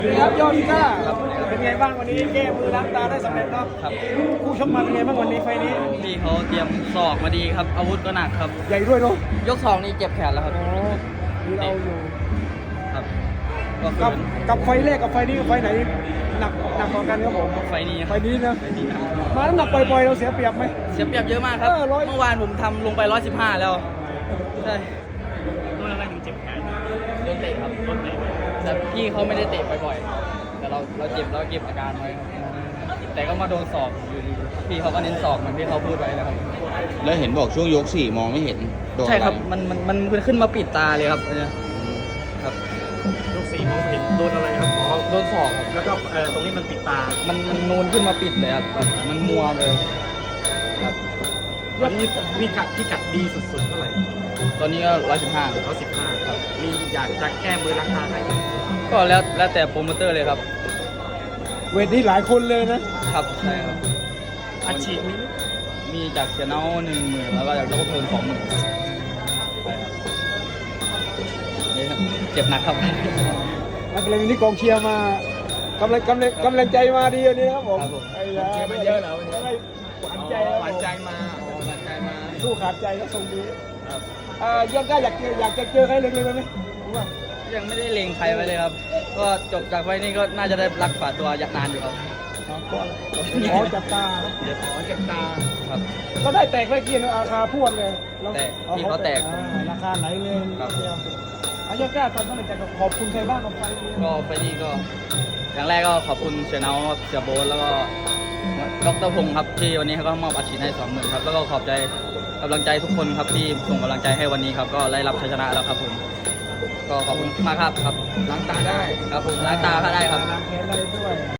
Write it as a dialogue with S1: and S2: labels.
S1: ครับยอดก้าเป็นไงบ้างวันนี้แก้มือล้างตาได้สำเร็จเนาะ
S2: ครับ
S1: คู่ชกมาเป็นไงบ้างวันนี้ไฟนี้
S2: พี่เขาเตรียมศอกมาดีครับอาวุธก็หนักครับ
S1: ใหญ่ด้วยเนาะ
S2: ยกสองนี่เจ็บแขนแล้วครับ
S1: อ๋อมีเราอยู่
S2: ครับก็
S1: กับไฟแรกกับไฟนี้กับไฟไหนหนักกว่ากันครับผม
S2: ไฟนี้
S1: ไฟนี้นะมาน้ำหนักปล่อยๆเราเสียเปรียบไหม
S2: เสียเปรียบเยอะมากครับเมื่อวานผมทำลงไป115แล้วใช่
S3: โดนอะไรถึงเจ็บแขน
S2: โดนเตะครับ
S3: โดนเตะ
S2: แต่พี่เขาไม่ได้เตะบ่อยๆแต่เราเจ็บแล้วเก็บอาการไว้ครับแต่ก็มาโดนศอกอยู่ดีพี่เขาก็เน้นศอกเหมือนที่เขาพูดไว้นะครับ
S4: แล้วเห็นบอกช่วงยก 4มองไม่เห็นโดนอะไร
S2: ใช่ครับมันขึ้นมาปิดตาเลยครับเนี่ยครับ
S3: ยก4มองเห็นโดนอะไรครับอ๋อ
S2: โดนศอกครับ
S3: แล้วก็ตรงนี้มันปิดตา
S2: มันนูนขึ้นมาปิดเลยครับมันมัวเลยครับ
S3: วันนี้พี่กัดดีสุดๆเท่าไหร่
S2: ตอนนี้ก็115
S3: ครับมีอยากจะแก้มือราคาไหน
S2: ก็แล้วแต่โปรโมเตอร์เลยครับ
S1: เวทนี้หลายคนเลยนะครับ
S2: ใช่ครับ
S3: อาชีพนี้
S2: มีจากเชียร์เนา10,000แล้วก็จากเจ้าเพลิง20,000นี่ครับเจ็บหนักครับ
S1: นักเรียนนี้กองเชียร์มากำลังใจมาดีวันนี้ครับผม
S2: เชียร์มาเยอะแล้ว
S1: หวานใจ
S2: หวานใจมา
S1: สู้ขาดใจก็ทรงดียังก็อยากจะเจอใครเล็กๆไหม
S2: ยังไม่ได้เล็งใครไว้เลยครับก็จบจากไฟนี้ก็น่าจะได้รักษาตัวยักนานอยู่ครับ
S1: ขอจับตา
S2: ครับ
S1: ก็ได้แตกไม่กินราคาพวดเลย
S2: แตกที่เขาแตก
S1: ราคาไหนเลยอายุก้าตอนนั้นจะขอบคุณใครบ้างกับไฟ
S2: นี้ก็อย่างแรกก็ขอบคุณเชียร์เนาเชียร์โบ๊ทแล้วก็ดร.พงศ์ครับที่วันนี้เขาก็มอบอาชีพให้20,000ครับแล้วก็ขอบใจกำลังใจทุกคนครับที่ส่งกำลังใจให้วันนี้ครับก็ได้รับชัยชนะแล้วครับผมก็ขอบคุณมากครับ
S1: ล้างตาได้
S2: ครับผมล้างตาก็ได้ครับ
S1: ล้างแขนได้ด้วย